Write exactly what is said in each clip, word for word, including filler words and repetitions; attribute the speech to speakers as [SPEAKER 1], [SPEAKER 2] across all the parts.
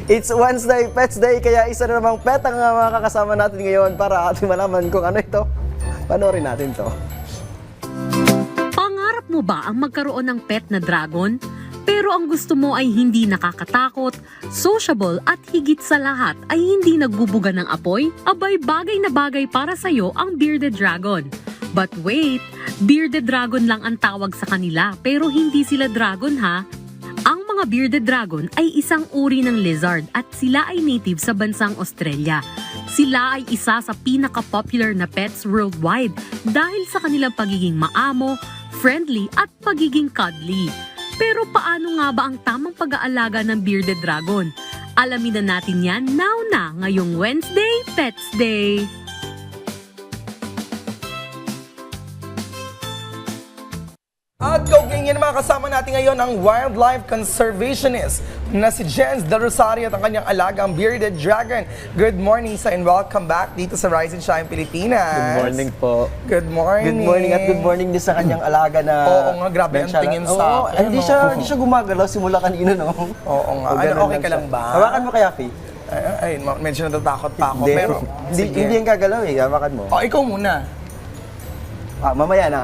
[SPEAKER 1] It's Wednesday, Pets Day, kaya isa na namang pet ang uh, makakasama natin ngayon para ating malaman kung ano ito. Panoorin natin to.
[SPEAKER 2] Pangarap mo ba ang magkaroon ng pet na dragon? Pero ang gusto mo ay hindi nakakatakot, sociable at higit sa lahat ay hindi nagbubuga ng apoy? Abay, bagay na bagay para sa'yo ang bearded dragon. But wait, bearded dragon lang ang tawag sa kanila pero hindi sila dragon ha. Ang mga bearded dragon ay isang uri ng lizard at sila ay native sa bansang Australia. Sila ay isa sa pinaka-popular na pets worldwide dahil sa kanilang pagiging maamo, friendly at pagiging cuddly. Pero paano nga ba ang tamang pag-aalaga ng bearded dragon? Alamin na natin yan now na ngayong Wednesday, Pets Day!
[SPEAKER 3] At kaugnayan mga kasama natin ngayon ang wildlife conservationist na si Jens De Rosario at ang kanyang alagang bearded dragon. Good morning sa and welcome back dito sa Rise and Shine Pilipinas.
[SPEAKER 1] Good morning po.
[SPEAKER 3] Good morning.
[SPEAKER 1] Good morning at good morning din sa kanyang alaga na...
[SPEAKER 3] Oo nga, grabe ang
[SPEAKER 1] Benchara.
[SPEAKER 3] tingin sa
[SPEAKER 1] Oo,
[SPEAKER 3] akin.
[SPEAKER 1] hindi
[SPEAKER 3] no?
[SPEAKER 1] siya, hindi siya gumagalaw simula kanina, no?
[SPEAKER 3] Oo nga.
[SPEAKER 1] O,
[SPEAKER 3] Ano,
[SPEAKER 1] ganun
[SPEAKER 3] okay ka
[SPEAKER 1] siya.
[SPEAKER 3] lang ba?
[SPEAKER 1] Hawakan mo kaya, Fi?
[SPEAKER 3] Ay, ay, medyo natatakot pa ako.
[SPEAKER 1] Hindi,
[SPEAKER 3] Pero,
[SPEAKER 1] hindi,
[SPEAKER 3] sige.
[SPEAKER 1] hindi yung gagalaw eh. Hawakan mo.
[SPEAKER 3] Oh, ikaw muna.
[SPEAKER 1] Ah, mamaya na.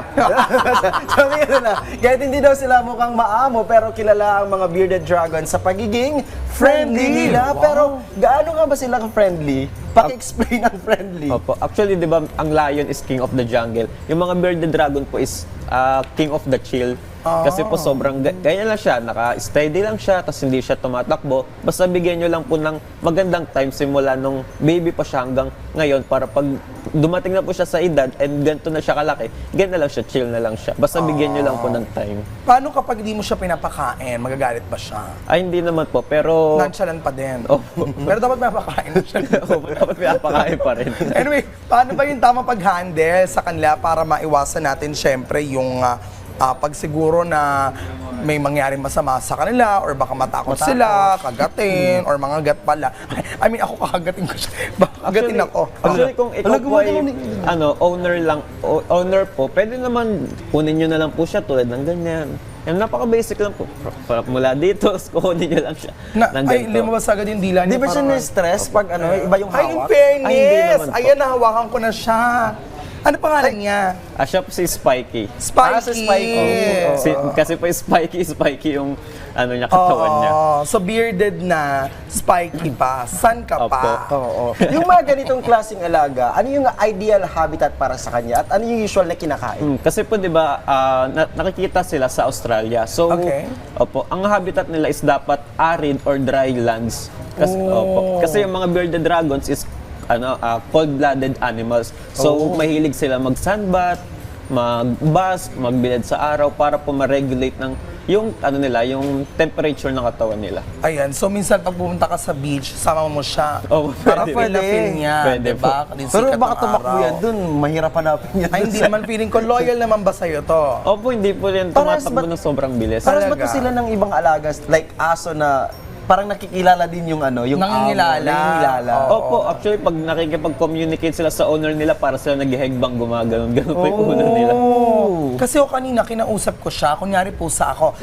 [SPEAKER 1] Sabi ko na, kahit hindi daw sila mukhang maamo, pero kilala ang mga bearded dragon sa pagiging friendly nila.
[SPEAKER 3] Wow.
[SPEAKER 1] Pero gaano nga ba sila ka-friendly? Paki-explain ang friendly.
[SPEAKER 4] Opo. Actually, di ba, ang lion is king of the jungle. Yung mga bearded dragon po is uh, king of the chill. Kasi po sobrang, ga- ganyan lang siya, naka-steady lang siya, tapos hindi siya tumatakbo. Basta bigyan nyo lang po ng magandang time simula nung baby pa siya hanggang ngayon para pag dumating na po siya sa edad and ganito na siya kalaki, ganyan na lang siya, chill na lang siya. Basta bigyan nyo lang po ng time.
[SPEAKER 3] Paano kapag di mo siya pinapakain? Magagalit ba siya?
[SPEAKER 4] Ay, hindi naman po, pero...
[SPEAKER 3] Nonchalant pa din.
[SPEAKER 4] Opo.
[SPEAKER 3] Pero dapat pinapakain mo siya.
[SPEAKER 4] Opo, dapat pinapakain pa rin.
[SPEAKER 3] Anyway, paano ba yung tamang pag-handle sa kanila para maiwasan natin syempre yung uh, uh, pag siguro na may mangyaring masama sa kanila or baka matakot,
[SPEAKER 1] Matakot.
[SPEAKER 3] sila, kagatin, or mga gat pala. I mean, ako kakagatin ko siya. Baka kagatin ako.
[SPEAKER 4] Actually, kung ikaw
[SPEAKER 1] Ano,
[SPEAKER 4] po ay
[SPEAKER 1] gumagalaw ni-
[SPEAKER 4] ano, owner lang, o- owner po, pwede naman kunin nyo na lang po siya tulad ng ganyan. Yan, napaka-basic lang po. Fra- Mula dito, kunin nyo lang siya.
[SPEAKER 3] Na,
[SPEAKER 4] ng
[SPEAKER 3] ay,
[SPEAKER 4] ganito.
[SPEAKER 3] lumabas agad yung dila
[SPEAKER 1] Di
[SPEAKER 3] niya.
[SPEAKER 1] ba siya
[SPEAKER 3] parang-
[SPEAKER 1] na-stress pag ano, iba yung
[SPEAKER 3] Ay, in
[SPEAKER 1] hawak?
[SPEAKER 4] Ay, hindi
[SPEAKER 3] fairness!
[SPEAKER 4] naman po.
[SPEAKER 3] Ayan, nahawakan ko na siya. Ano pangalan niya?
[SPEAKER 4] Ah, siya po si Spikey.
[SPEAKER 3] Spikey!
[SPEAKER 1] Ah, si Spikey. Oo.
[SPEAKER 4] Si, kasi po Spikey, Spikey yung ano niya, katawan niya.
[SPEAKER 3] Oo, so bearded na, spiky pa. San ka pa?
[SPEAKER 1] Oo. Yung mga ganitong klaseng alaga, ano yung ideal habitat para sa kanya at ano yung usual na kinakain?
[SPEAKER 4] Mm, kasi po 'di ba ah, na- nakikita sila sa Australia. So
[SPEAKER 3] Okay.
[SPEAKER 4] opo, ang habitat nila is dapat arid or dry lands. Kasi opo, kasi yung mga bearded dragons is ano ah, cold-blooded animals. So mahilig sila mag-sunbath, mag-bask, magbilad sa araw para po ma-regulate ng yung ano nila, yung temperature ng katawan nila.
[SPEAKER 3] Ayan, so minsan pag pumunta ka sa beach, sama mo siya.
[SPEAKER 4] Oh,
[SPEAKER 3] para
[SPEAKER 4] pwede.
[SPEAKER 3] feel na feel niya,
[SPEAKER 4] Pwede
[SPEAKER 3] diba?
[SPEAKER 4] po.
[SPEAKER 3] Din
[SPEAKER 1] Pero
[SPEAKER 3] sikat
[SPEAKER 1] baka
[SPEAKER 3] ng
[SPEAKER 1] tumakbo
[SPEAKER 3] araw.
[SPEAKER 1] yan dun, mahirap hanapin yan.
[SPEAKER 3] Ay, hindi naman feeling ko. Loyal naman ba sa'yo to?
[SPEAKER 4] Opo, hindi po rin
[SPEAKER 1] Parehas
[SPEAKER 4] tumatakbo
[SPEAKER 1] ba-
[SPEAKER 4] ng sobrang bilis.
[SPEAKER 1] Parang ba
[SPEAKER 3] Talaga?
[SPEAKER 1] to sila ng ibang alagas, like aso na parang nakikilala din yung ano, yung
[SPEAKER 3] Nangingilala.
[SPEAKER 1] amo, nangingilala.
[SPEAKER 3] Oo.
[SPEAKER 4] Opo, actually, pag nakikipag-communicate sila sa owner nila, para sila naghihegbang gumagano'n. Ganun po yung ulo nila.
[SPEAKER 1] Oh.
[SPEAKER 3] Kasi o kanina, kinausap ko siya. Kunyari pusa ako.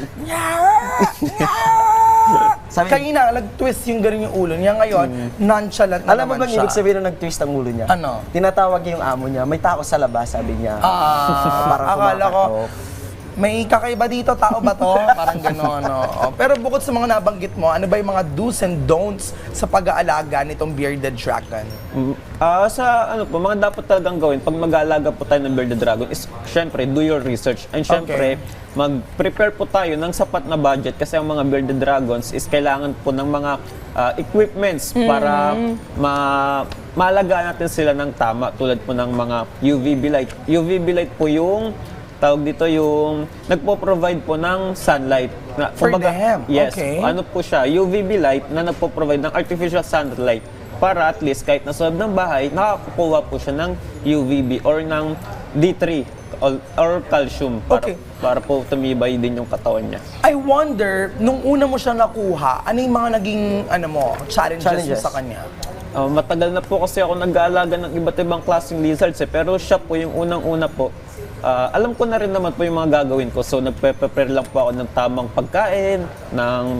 [SPEAKER 1] Sabi-
[SPEAKER 3] Kanina, nag-twist yung ganun yung ulo niya. Ngayon, nonchalant na
[SPEAKER 1] Alam mo
[SPEAKER 3] naman
[SPEAKER 1] bang
[SPEAKER 3] siya.
[SPEAKER 1] ibig sabihin nung nag-twist ang ulo niya?
[SPEAKER 3] Ano?
[SPEAKER 1] Tinatawag niya yung amo niya, may tao sa labas, sabi niya.
[SPEAKER 3] Ah,
[SPEAKER 1] Parang
[SPEAKER 3] akala ko,
[SPEAKER 1] kumakatok.
[SPEAKER 3] may kakaiba dito, tao ba to? Parang gano'n, no? Oh, pero bukod sa mga nabanggit mo, ano ba yung mga do's and don'ts sa pag-aalaga nitong bearded dragon?
[SPEAKER 4] Mm, Ah, sa ano po, mga dapat talagang gawin pag mag-aalaga po tayo ng bearded dragon is syempre do your research and syempre mag-prepare po tayo ng sapat na budget kasi ang mga bearded dragons is kailangan po ng mga ah, equipments para ma maalagaan natin sila ng tama tulad po ng mga U V B light. U V B light po yung tawag dito yung nagpo-provide po ng sunlight. Na,
[SPEAKER 3] For
[SPEAKER 4] kumbaga,
[SPEAKER 3] them?
[SPEAKER 4] Yes.
[SPEAKER 3] Okay.
[SPEAKER 4] Ano po siya, U V B light na nagpo-provide ng artificial sunlight para at least kahit nasa loob ng bahay, nakakakuha po siya ng U V B or ng D three or, or calcium para,
[SPEAKER 3] Okay.
[SPEAKER 4] para po tumibay din yung katawan niya.
[SPEAKER 3] I wonder, nung una mo siya nakuha, ano yung mga naging, ano mo, challenges,
[SPEAKER 1] Challenges.
[SPEAKER 3] mo sa kanya?
[SPEAKER 4] Uh, matagal na po kasi ako nag-aalaga ng iba't ibang klaseng lizards eh, pero siya po yung unang-una po. Ah, alam ko na rin naman po yung mga gagawin ko. So nagpe-prepare lang po ako ng tamang pagkain, ng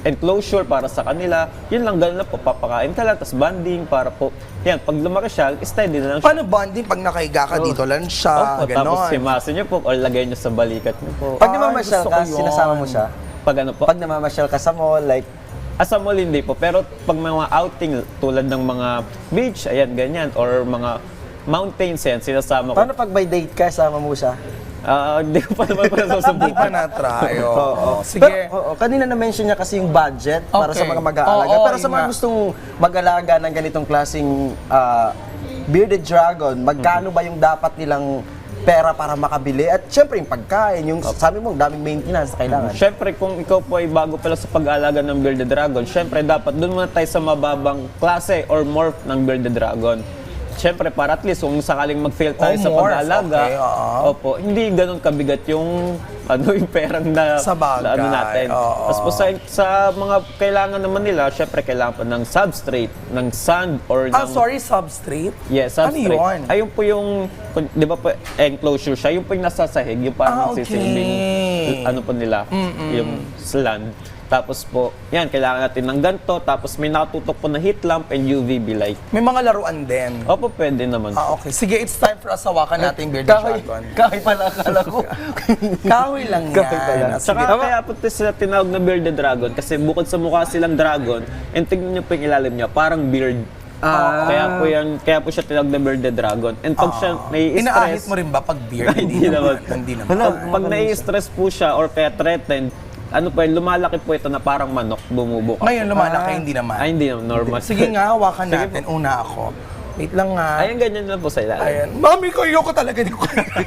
[SPEAKER 4] enclosure para sa kanila. Yun lang, gano'n na po, papakain ka lang, tapos banding para po, yan, pag lumaki siya, steady na lang siya.
[SPEAKER 3] Paano bonding pag nakahiga ka dito lang siya,
[SPEAKER 4] Opo, tapos
[SPEAKER 3] ganon?
[SPEAKER 4] simasin niyo po, or lagay niyo sa balikat niyo po.
[SPEAKER 1] Pag
[SPEAKER 3] Ay,
[SPEAKER 1] namamasyal
[SPEAKER 3] gusto
[SPEAKER 1] ka,
[SPEAKER 3] ko yun.
[SPEAKER 1] sinasama mo siya?
[SPEAKER 4] Pag ano po,
[SPEAKER 1] Pag namamasyal ka sa mall, like,
[SPEAKER 4] asa mall hindi po, pero pag mga outing tulad ng mga beach, ayan, ganyan, or mga mountains, yan, sinasama ko.
[SPEAKER 1] paano pag may date ka, sama mo siya?
[SPEAKER 4] Ah, hindi ko pa naman pa
[SPEAKER 3] Hindi pa
[SPEAKER 4] nasusubukan.
[SPEAKER 3] na-try. Oo.
[SPEAKER 1] Oo.
[SPEAKER 3] Sige.
[SPEAKER 1] Pero, oo, kanina na-mention niya kasi yung budget para sa
[SPEAKER 3] Okay.
[SPEAKER 1] mga mag-aalaga.
[SPEAKER 3] Oo,
[SPEAKER 1] Pero sa
[SPEAKER 3] yun
[SPEAKER 1] mga
[SPEAKER 3] nga.
[SPEAKER 1] gustong mag-alaga ng ganitong klaseng ah, bearded dragon, magkano ba yung dapat nilang pera para makabili? At syempre yung pagkain, yung sabi mo, daming maintenance na kailangan.
[SPEAKER 4] Siyempre, kung ikaw po ay bago pala sa pag-aalaga ng bearded dragon, siyempre dapat doon muna tayo sa mababang klase or morph ng bearded dragon. Siyempre, para at least kung sakaling mag-fail tayo
[SPEAKER 3] Oh,
[SPEAKER 4] sa
[SPEAKER 3] morph,
[SPEAKER 4] pag-aalaga,
[SPEAKER 3] okay, oo.
[SPEAKER 4] opo, hindi ganun kabigat yung ano yung perang na,
[SPEAKER 3] Sa bagay,
[SPEAKER 4] na ano natin.
[SPEAKER 3] oo.
[SPEAKER 4] Tapos po sa, sa mga kailangan naman nila, siyempre kailangan pa ng substrate, ng sand or
[SPEAKER 3] Ah,
[SPEAKER 4] ng
[SPEAKER 3] sorry, substrate?
[SPEAKER 4] Yes,
[SPEAKER 3] Ano
[SPEAKER 4] substrate.
[SPEAKER 3] yun?
[SPEAKER 4] Ayun po yung, kung- di ba po, enclosure siya, yung po yung nasasahig, yung
[SPEAKER 3] Ah,
[SPEAKER 4] parang
[SPEAKER 3] okay.
[SPEAKER 4] nagsisilbing, ano po nila, yung slant. Tapos po, yan, kailangan natin ng ganito, tapos may nakatutok po na heat lamp and U V B light.
[SPEAKER 3] May mga laruan din.
[SPEAKER 4] Opo, pwede naman.
[SPEAKER 3] Ah, okay. Sige, it's time for us hawakan natin bearded
[SPEAKER 1] Kahoy,
[SPEAKER 3] dragon.
[SPEAKER 1] kahoy pala, akala ko.
[SPEAKER 3] Kahoy lang yan.
[SPEAKER 1] Kahoy pala.
[SPEAKER 3] Ah, sige.
[SPEAKER 4] Tsaka kaya po ito sila tinawag na bearded dragon kasi bukod sa mukha silang dragon, and tignan niyo po yung ilalim niya, parang beard.
[SPEAKER 1] Ah.
[SPEAKER 4] Kaya po yan, kaya po siya tinawag na bearded dragon. And pag siya
[SPEAKER 3] Inaahit
[SPEAKER 4] nai-stress,
[SPEAKER 3] mo rin ba pag beard?
[SPEAKER 4] Hindi naman.
[SPEAKER 3] Hindi naman.
[SPEAKER 4] pag, pag nai-stress po siya or kaya threatened, ano po yun, lumalaki po ito na parang manok, bumubuka.
[SPEAKER 3] Ngayon, lumalaki, hindi naman.
[SPEAKER 4] Ay, hindi naman, normal.
[SPEAKER 3] Sige nga, hawakan natin. Una ako. Wait lang nga.
[SPEAKER 4] Ayan, ganyan lang po sa ilalim.
[SPEAKER 3] Ayan. Mami ko, ayoko talaga. Di ko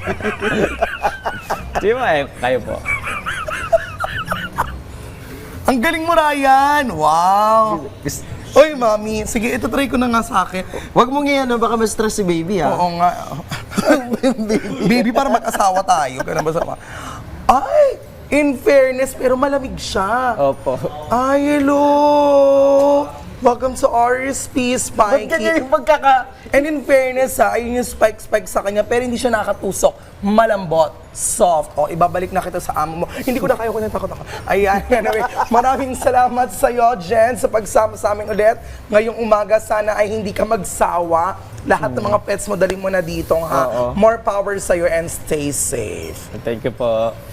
[SPEAKER 4] Di ba, eh, kayo po.
[SPEAKER 3] Ang galing mo, Ryan. Wow. Oy, mami. Sige, ito try ko na nga sa akin.
[SPEAKER 1] Huwag mong iyan, baka ma-stress si baby ha.
[SPEAKER 3] Oo nga. Baby, para mag-asawa tayo. Kaya ba sama? Ay! In fairness, pero malamig siya.
[SPEAKER 4] Opo.
[SPEAKER 3] Ay, hello! Welcome to R S P,
[SPEAKER 1] Ba't ganyan
[SPEAKER 3] Spikey.
[SPEAKER 1] yung pagkaka...
[SPEAKER 3] And in fairness ha, ayun yung spike-spike sa kanya, pero hindi siya nakatusok. Malambot, soft. O, ibabalik na kita sa amo mo. Hindi ko na kaya ko na takot ako. Ayan, anyway. Maraming salamat sa iyo, Jen, sa pagsama sa amin ulit. Ngayong umaga, sana ay hindi ka magsawa. Lahat ng mga pets mo, dali mo na dito, ha?
[SPEAKER 4] Oo.
[SPEAKER 3] More power sa iyo and stay safe.
[SPEAKER 4] Thank you po.